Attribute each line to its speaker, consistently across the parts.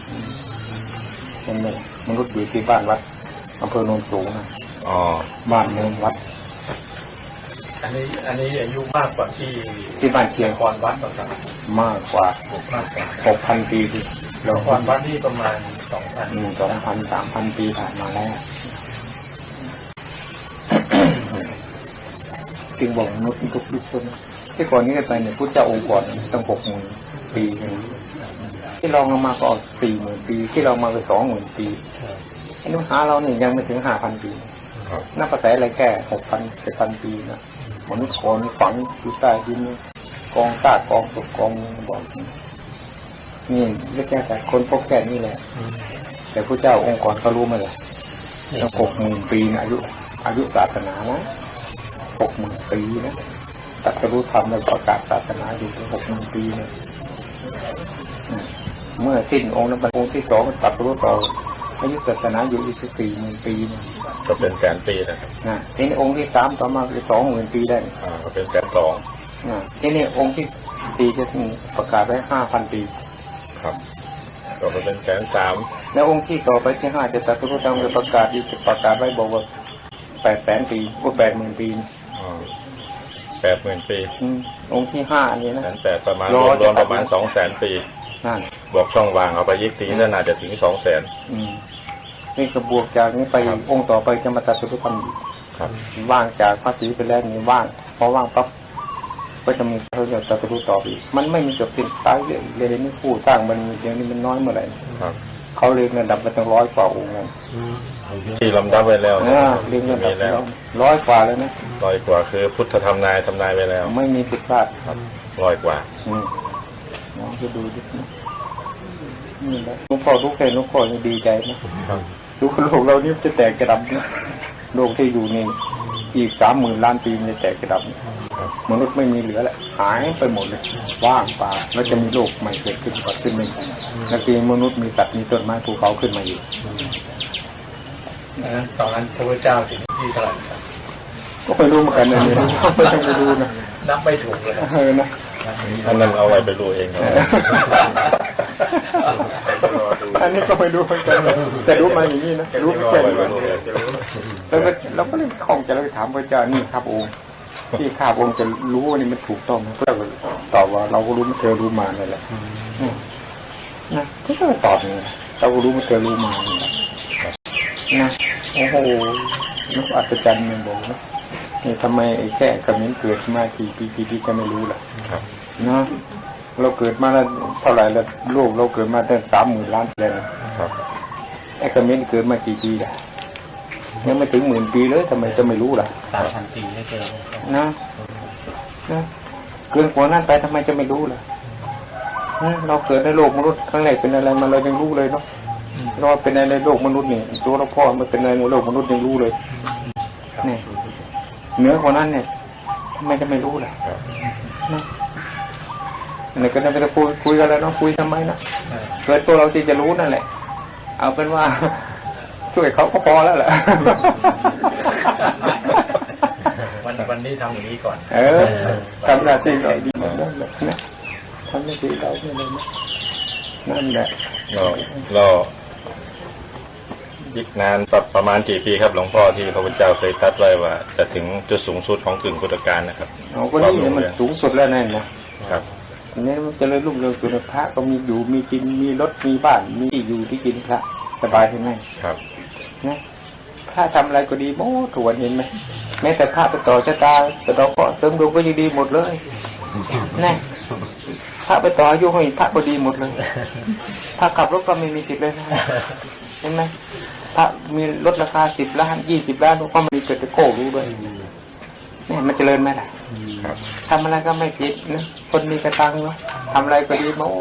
Speaker 1: เป็นไงมนุษย์อยู่ที่บ้านวัดอำเภอโนนสูงนะบ้านเมืองวัด
Speaker 2: อันนี้อายุมากกว่า
Speaker 1: ที่บ้านเชียง
Speaker 2: คอนวัดครับ
Speaker 1: มากกว่า6,000 ปีที่
Speaker 2: แล้วคอนวัดนี่ประมาณ
Speaker 1: 2,000 3,000 ปีผ่านมาแล้วจึงบอกมนุษย์ทุกยุคคนที่ก่อนนี้ไปเนี่ยพุทธเจ้าองค์ก่อนตั้ง60,000 ปีที่ลองมาก็40,000 ปีที่เรามาไป20,000 ปีอันนี้หาเราเนี่ยยังไม่ถึง5,000 ปีนับภาษาอะไรแค่6,000 7,000 ปีนะมนุษย์คนฝังอยู่ใต้ดินกองซากกองศพกองบ่อนี่เรียกแต่คนพบแค่นี้แหละแต่พระเจ้าองค์ก่อนก็รู้มาเลยตั้ง60,000 ปีนะอายุศาสนานะ60,000 ปีนะตรัสรู้ธรรมและประกาศศาสนาอยู่ถึง60,000 ปีนะเมื่อสิ้นองค์นั้นองค์ที่2มันตรัสรู้ต่ออายุศาสนาอยู่อีก40,000 ปีนะ
Speaker 2: ก็เป็นแสนปีนะครับ
Speaker 1: ทีนี้องค์ที่3ต่อมาคือ20,000 ปีได้
Speaker 2: ก็เป็น120,000
Speaker 1: ทีนี้องค์ที่4จะประกาศไว้5,000 ปี
Speaker 2: ครับก็เป็น130,000
Speaker 1: แล้วองค์ที่ต่อไปที่5จะตรัสรู้ธรรมจะประกาศไว้บอกว่า800,000 ปีก็80,000 ปี
Speaker 2: 80,000 ปี
Speaker 1: องค์ที่5อันนี้นะ
Speaker 2: 180,000ประมาณรวมประมาณ200,000 ปี
Speaker 1: นั่น
Speaker 2: บอกช่องว่างเอาไปยิกทีแล้วน่าจะถึง200,000
Speaker 1: นี่กระบวกจากนี้ไปองค์ต่อไปจะมาตรัสรู้ธรรม
Speaker 2: ครับ
Speaker 1: ว่างจากภาษีไปแล้วนี่ว่างพอว่างปั๊บก็จะมีเขาจะตรัสรู้ต่ออีกมันไม่มีจบสิ้นตายเลยนี่ผู้สร้างมันอย่างนี้มันน้อยเมื่อไหร่เขาเรียงระดับไปตั้ง100 กว่าองค์แล้ว
Speaker 2: ที่ลำดับไว้แล้ว
Speaker 1: เรียงระดับแล้ว100 กว่าแล้วนะ
Speaker 2: 100 กว่าคือพุทธธรรมนายทำนายไว้แล้ว
Speaker 1: ไม่มีผิดพลาด
Speaker 2: ครับ100 กว่า
Speaker 1: น้องจะดูดินี่แหละหลวงพ่อทุกแค่หลวงพ่อจะดีใจนะดูโลกเรานี่จะแตกกระดับนะโลกที่อยู่นี่อีก30,000 ล้านปีมันจะแตกกระดับมนุษย์ไม่มีเหลือแล้วหายไปหมดเลยว่างเปล่าแล้วจะมีโลกใหม่เกิดขึ้นไม่แล้วทีมนุษย์มีสัตว์มีต้นไม้ภูเขาขึ้นมาอยู่
Speaker 2: ตอนนั้นพระพุทธเจ้าถึงที่เท่าไหร่ครับ
Speaker 1: ก็ไม่รู้เหมือนกันนะเนี่ยไม่รู้นะ
Speaker 2: นับไม่ถูกเลย
Speaker 1: นะ
Speaker 2: อันนั้นเอาไว้ไปรู้เอง
Speaker 1: อันนี้ก็ไม่รู้เหมือนกันแต่รู้มาอย่างนี้นะรู้แค่นี้แล้วก็เลยคล่องใจแล้วถามพระเจ้านี่ครับองค์ที่ข้าองค์จะรู้ว่านี่มันถูกต้องนะก็ตอบว่าเราก็รู้มันเธอรู้มานั่นแหละนะก็ตอบนี่เราก็รู้มันเธอรู้มานะโอ้โหนักอัศจรรย์มันบอกนะนี่ทำไมไอ้แค่คำนี้เกิดมากี่ปีก็ไม่รู้ล่ะนะเราเกิดมาแล้วเท่าไหร่แล้วโลกเราเกิดมาตั้ง30,000 ล้านเลยนะครับไอ้คำนี้เกิดมากี่ปีล่ะยังไม่ถึง10,000 ปีเลยทำไมจะไม่รู้ล่ะ
Speaker 2: 3,000 ปีไม่เจอ
Speaker 1: นะเกินกว่านั้นไปทำไมจะไม่รู้ล่ะเราเกิดในโลกมนุษย์ครั้งแรกเป็นอะไรมาเรายังรู้เลยเนาะเราเป็นในโลกมนุษย์นี่ตัวเราพ่อมันเป็นในโลกมนุษย์ยังรู้เลยนี่เหนือกว่านั้นเนี่ยทำไมจะไม่รู้ล่ะนะนี่ก็จะคุยกันแล้วเนาะคุยทำไมนะเกิดตัวเราที่จะรู้นั่นแหละเอาเป็นว่าช่วยเขาก็พอแล้วแหละ
Speaker 2: วันนี้ทำอย่างนี้ก่อน
Speaker 1: ทำหน้าที่เราดีนั่นแหละนะทำหน้าที่เราเนี่ยนะนั่นแหละ
Speaker 2: เราอีกนานประมาณกี่ปีครับหลวงพ่อที่พระพุทธเจ้าเคยตรัสไว้ว่าจะถึงจุดสูงสุดของกึ่งพุทธกาลนะครับ
Speaker 1: ก็นี่มันสูงสุดแล้วนั่นนะครับนี่มันจะเลยรุ่งเรืองสุดพระก็มีอยู่มีกินมีรถมีบ้านมีที่อยู่ที่กินพระสบายใช่ไหม
Speaker 2: ครับ
Speaker 1: นะพระทำอะไรก็ดีโม้ถวนเห็นไหมแม้แต่พระไปต่อชะตาแต่เราก็เสริมดวงก็ยังดีหมดเลยนี่พระไปต่ออายุให้พระก็ดีหมดเลยพระขับรถก็ไม่มีสิทธิ์เลยนะเห็นไหมพระมีรถราคา10 ล้าน20 ล้านก็มีเกิดจะโก้รู้ด้วยนี่มันเจริญไหมล่ะทำอะไรก็ไม่ผิดนะคนมีกระตังเนาะทำอะไรก็ดีโม้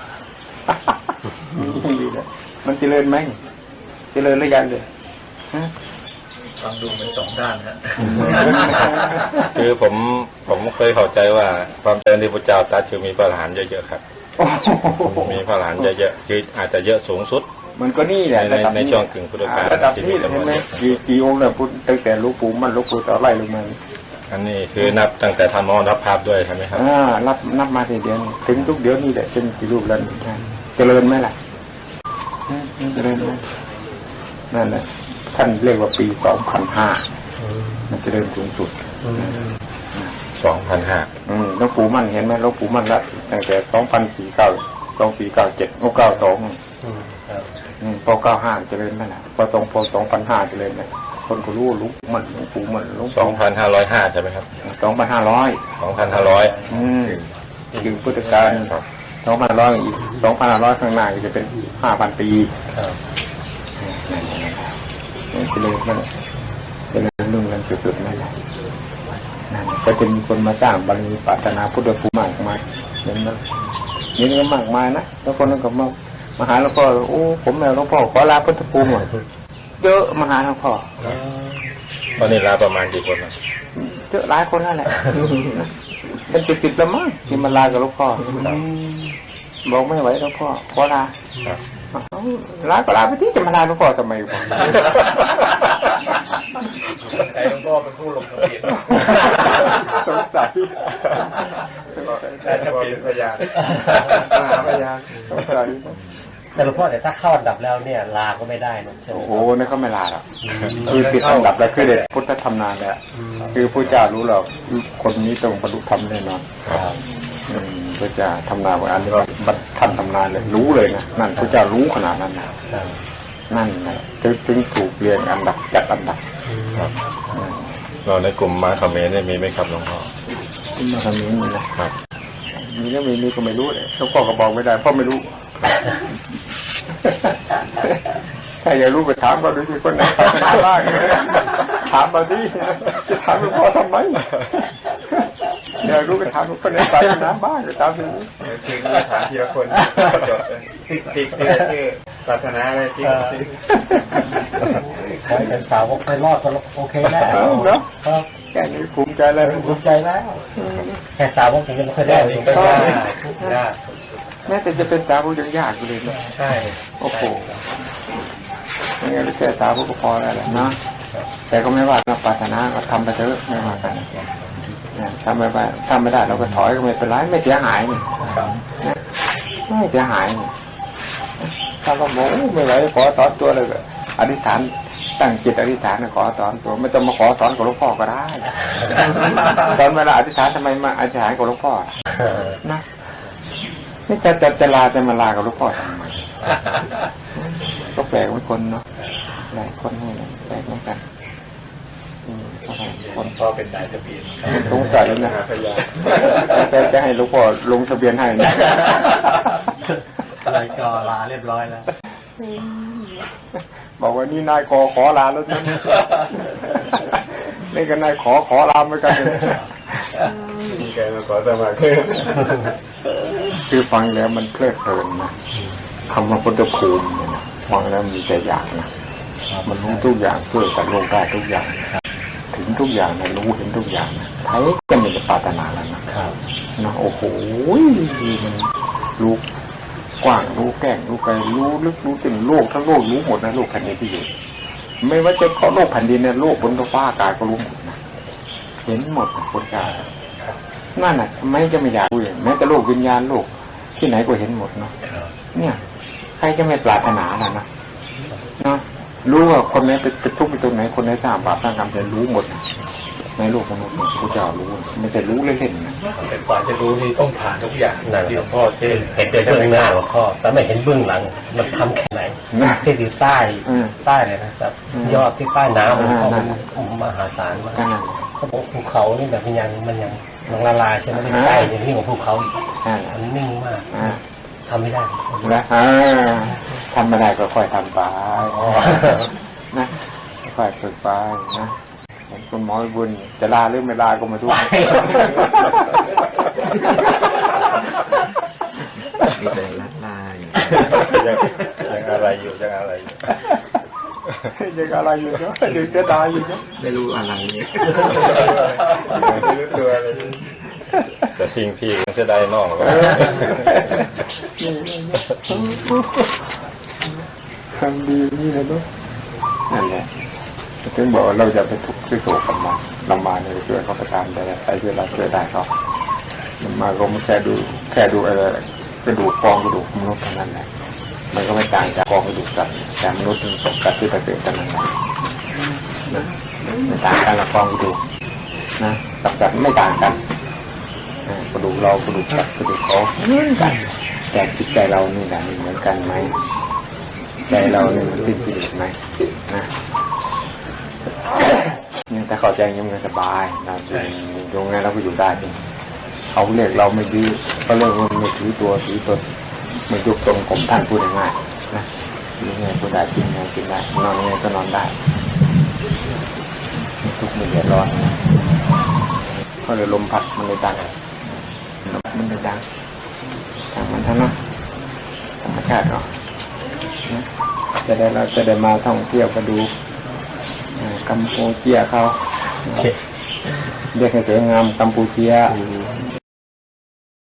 Speaker 1: มันเจริญไหมเจริญหรือยังเลย
Speaker 2: ฟังดูเป็น2 ด้านนะคือผมเคยเข้าใจว่าความเจริญที่พระเจ้าตรัสคือมีพระอรหันต์เยอะๆครับมีพระอรหันต์เยอะๆคืออาจจะเยอะสูงสุด
Speaker 1: มันก็นี่แหละ
Speaker 2: ในช่วงกึ่งพุทธกาล
Speaker 1: ระดับนี้เห็นไหมกี่องค์เนี่ยพุทธตั้งแต่หลวงปู่มั่นหลวงปู่ต่อไล่ลงมา
Speaker 2: อันนี้คือนับตั้งแต่ทำมรณภาพด้วยใช่ไหมครับ
Speaker 1: นับมาทีเดียวถึงทุกเดี๋ยวนี้แหละเป็นกี่รูปแล้วเจริญไหมล่ะจะได้นั่นแหละท่านเรียกว่าปี2005มันจะเริ่มสูงสุด
Speaker 2: 2005
Speaker 1: หลวงปู่มั่นเห็นไหมหลวงปู่มั่นละตั้งแต่2497 พอ95เจริญนั่นแหละพอ2005เจริญเนี่ยคนก็รู้หลวงปู่มั่นหลวงปู่มั่น
Speaker 2: 2505ใช่ไหมครับ
Speaker 1: 2500ถึงพุทธกาล2,500อีก2,500ข้างหน้าจะเป็น 5,000 ปีเจริญนั่นเจริญรุ่งเรืองสุดๆนั่นแหละนั่นก็จะมีคนมาสร้างบารมีปรารถนาพุทธภูมิมากมายเห็นไหมนี่ก็มากมายนะแล้วคนนั้นก็มาหาหลวงพ่อโอ้ผมแม่หลวงพ่อขอลาพุทธภูมิเยอะมาหาหลวงพ่อ
Speaker 2: ตอนนี้ลาประมาณกี่คนนะ
Speaker 1: เยอะหลายคนนั่นแหละเป็น10แล้วมั้งที่มาลากับหลวงพ่อบอกไม่ไหวหลวงพ่อขอลาลาก็ลาไปที่จะมาลาหลวงพ่อทำไมวะ
Speaker 2: ไอ้หลวงพ่อเป็นผู้ลงทะเบียน
Speaker 1: สงสัย
Speaker 2: แต่ทะเบียนพยาน
Speaker 1: พยานสงสัย
Speaker 3: แต่หลวงพ่อแต่ถ้าเข้าอันดับแล้วเนี่ยลาก็ไม่ได้นะ
Speaker 1: โอ้โหนี่เขาไม่ลาหรอกคือติดอันดับแล้วคือเด็ดพุทธธรรมนานแล้วคือพระเจ้ารู้แล้วคนนี้ต้องบรรลุธรรมแน่นอนพระเจ้าทำนานว่าอันนี้ท่านทำนานเลยรู้เลยนะนั่นพระเจ้ารู้ขนาดนั้นนะนั่นนะถึงถูกเรียงอันดับจัดอันดับ
Speaker 2: เราในกลุ่มมาคอมเมนต์เนี่ยมีไหมครับหลวงพ่อ
Speaker 1: มาคอมเมนต์มีนะครับมีก็มีก็ไม่รู้เลยหลวงพ่อก็บอกไม่ได้เพราะไม่รู้ถ้าอยากรู้ไปถามเขาดูสิคนไหนถามบ้างถามมาดิจะถามหลวงพ่อทำไมอยากรู้ไปถามคนไหนไปนะบ้างก็ถามสิ
Speaker 2: คือถามทีละคนจดติ๊กชื่อศาสนาอะไรติ๊ก
Speaker 3: ขอให้เป็นสาวกไปรอดก็โอเคแล้ว
Speaker 1: เนาะแค่นี้ภูมิใจแล้ว
Speaker 3: ภูมิใจแล้วแค่สาวกถึงจะไม่เคยได้
Speaker 1: แม้แต่จะเป็นสาวกยังยากเลยนะ
Speaker 3: ใช่
Speaker 1: โอ้โหนี่ก็แค่สาวกก็พอแล้วแหละนะแต่ก็ไม่ว่าเราปรารถนาก็ทำไปเถอะไม่ว่ากันทำไม่ได้เราก็ถอยก็ไม่เป็นไรไม่เสียหายนี่ไม่เสียหายนี่ถ้าเราบอกไม่ไหวขอสอนตัวเลยอธิษฐานตั้งจิตอธิษฐานขอสอนตัวไม่ต้องมาขอสอนกับหลวงพ่อก็ได้ตอนเวลาอธิษฐานทำไมมาอธิษฐานกับหลวงพ่อนะไม่จะลาจะมาลากับหลวงพ่อทำไมก็แปลกเหมือนคนเนาะหลายคนให้แปลกเหมือนกัน
Speaker 2: คนพ่อเป็นนายทะเบียน
Speaker 1: สงสัยแล้วนะแต่จะให้หลวงพ่อลงทะเบียนให้นะ
Speaker 3: อะไรก็ลาเรียบร้อยแล้ว
Speaker 1: บอกว่านี่นายขอลาแล้วนะนี่ก็นายขอลาเหมือนกัน
Speaker 2: มีใครมาขอสมัคร
Speaker 1: คือฟังแล้วมันเพลิดเพลินนะคำว่าพุทธภูมิเนี่ยนะฟังแล้วมีแต่อยากนะมันรู้ทุกอย่างช่วยกันโลกได้ทุกอย่างถึงทุกอย่างนะรู้เห็นทุกอย่างนะใครก็ไม่จะปรารถนาแล้วนะนะโอ้โหมันรู้กว้างรู้แก้งรู้ไกลรู้ลึกรู้ถึงโลกทั้งโลกรู้หมดนะโลกแผ่นดินที่อยู่ไม่ว่าจะเพราะโลกแผ่นดินเนี่ยโลกบนฟ้าอากาศก็รู้หมดนะเห็นหมดนะพุทธเจ้านั่นน่ะไม่จะไม่อยากรู้แม้แต่โลกวิญญาณโลกที่ไหนก็เห็นหมดเนาะเนี่ยใครจะไม่ปรารถนาล่ะนะเนาะรู้ว่าคนไหนเป็นทุกข์อยู่ตรงไหนคนไหนสร้างบาปสร้างกรรมจะรู้หมดในโลกมนุษย์พระเจ้ารู้ไม่ใช่รู้เล่นๆนะ
Speaker 2: แต่กว่าจะรู้นี่ต้องผ่านทุกอย่างที่หลวงพ่อเ
Speaker 3: ห็นแต่เบื้องหน้าหลวงพ่อแต่ไม่เห็นเบื้องหลังมันทำแค่ไหนที่อยู่ใต้เลยนะครับยอดที่ใต้น้ำมันก็มหาศาลมากเขาบอกภูเขานี่แบบมันยังละลายใช่ไหมใต้อย่างนี้ของภูเขามันนิ่งมากทำไม่ได้
Speaker 1: นะทำไม่ได้ก็ค่อยทำไปนะค่อยฝึกไปนะคุณหมอบุญจะลาหรือไม่ลาก็มาทุก
Speaker 3: มีแต่ลา
Speaker 2: ยังอะไรอยู่ยังอะไรอยู่
Speaker 1: เนาะดึงจะตายอยู่เนาะ
Speaker 3: ไม่รู้อะไรเนี่ย
Speaker 2: ไม่รู้ตัวอะไรแต่ทิ้งพี่มันจะได้นอกก็
Speaker 1: ทำดีนี่นะเนาะนั่นแหละถึงบอกเราจะไปทุกข์ที่โศกกับมันเรามาเนี่ยช่วยเขาประทานได้ใครช่วยเราช่วยได้เขามันมาก็ไม่แค่ดูอะไรกระดูกฟองกระดูกมนุษย์เท่านั้นแหละมันก็ไม่ต่างจากกองกระดูกสัตว์แต่มนุษย์มันตกกัดที่ไปเป็นกันนั่นแหละนะไม่ต่างกันละกองกระดูกนะกับสัตว์ไม่ต่างกันกระดูกเรากระดูกสัตว์กระดูกเขาเหมือนกันแต่จิตใจเรานี่แหละเหมือนกันไหมใจเราเนี่ยมันสิ้นกิเลสไหมนะเนี่ยแต่เข้าใจยังไงสบายเราอยู่ตรงนั้นเราก็อยู่ได้จริงเขาเรียกเราไม่ดื้อเขาเรียกว่าไม่ถือตัวถือตนไม่ยุบตรงผมท่านพูดง่ายๆนะยังไงก็ได้กินไงกินได้นอนยังไงก็นอนได้ทุกข์ไม่เดือดร้อนเขาเลยลมพัดมันเลยดังมันเลยดังทางมันทั้งนั้นธรรมชาติเนาะจะได้มาท่องเที่ยวก็ดูกัมพูเชียเขาเรียกให้สวยงามกัมพูเชีย